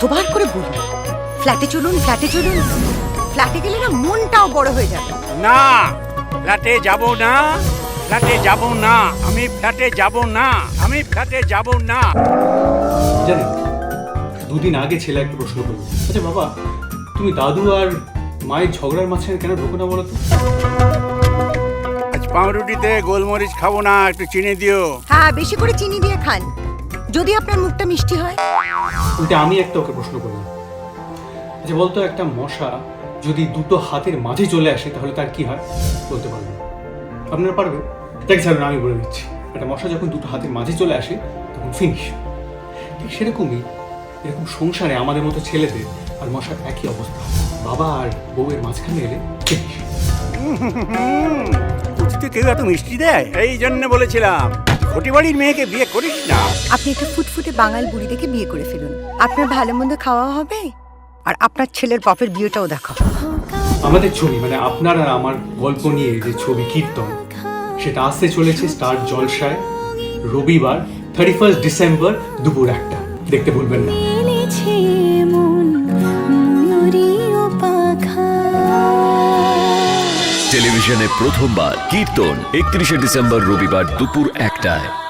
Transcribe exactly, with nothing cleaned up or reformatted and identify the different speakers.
Speaker 1: কতবার করে বলি ফ্ল্যাটে চলুন ফ্ল্যাটে চলুন, ফ্ল্যাটে গেলে না মনটাও বড় হয়ে যাবে।
Speaker 2: না, ফ্ল্যাটে যাব না, ফ্ল্যাটে যাব না, আমি ফ্ল্যাটে যাব না, আমি ফ্ল্যাটে যাব না।
Speaker 3: জানেন, দুদিন আগে ছেলে একটা প্রশ্ন করলো, আচ্ছা বাবা, তুমি দাদু আর মায়ের ঝগড়ার মাঝখানে কেন ঢোকো না বলো তো?
Speaker 2: আজ পাউরুটিতে গোলমরিচ খাবো না, একটু চিনি দিও।
Speaker 1: হ্যাঁ, বেশি করে চিনি দিয়ে খান, যদি আপনার মুখটা মিষ্টি হয়।
Speaker 3: উল্টে আমি একটা ওকে প্রশ্ন করলাম, আচ্ছা বলতো, একটা মশা যদি দুটো হাতের মাঝে চলে আসে তাহলে তার কি হয়? বলতে পারবেন? আপনারা পারবেন? দেখ ছাড়ুন, আমি বলে দিচ্ছি। একটা মশা যখন দুটো হাতের মাঝে চলে আসে তখন ফিনিশ। ঠিক সেরকমই এরকম সংসারে আমাদের মতো ছেলেদের আর মশার একই অবস্থা। বাবা আর বউয়ের মাঝখানে এলে ফিনিশ।
Speaker 2: উচিতে কেউ এত মিষ্টি দেয়? এই জন্য বলেছিলাম ঘটি বাড়ির মেয়েকে বিয়ে করিস না।
Speaker 1: আপনি একটা ফুটফুটে বাঙাল বুড়ি দেখে বিয়ে করে ফেলুন, আপনার ভালো মন্দ খাওয়া হবে আর আপনার ছেলের বাপের বিয়েটাও দেখা।
Speaker 3: আমাদের ছবি মানে আপনার আর আমার গল্প নিয়ে যে ছবি কীর্তন, সেটা আসতে চলেছে স্টার জলসায় রবিবার থার্টি ফার্স্ট ডিসেম্বর দুপুর একটা। দেখতে ভুলবেন না।
Speaker 4: টেলিভিশনে প্রথমবার কীর্তন একত্রিশে ডিসেম্বর রবিবার দুপুর একটায়।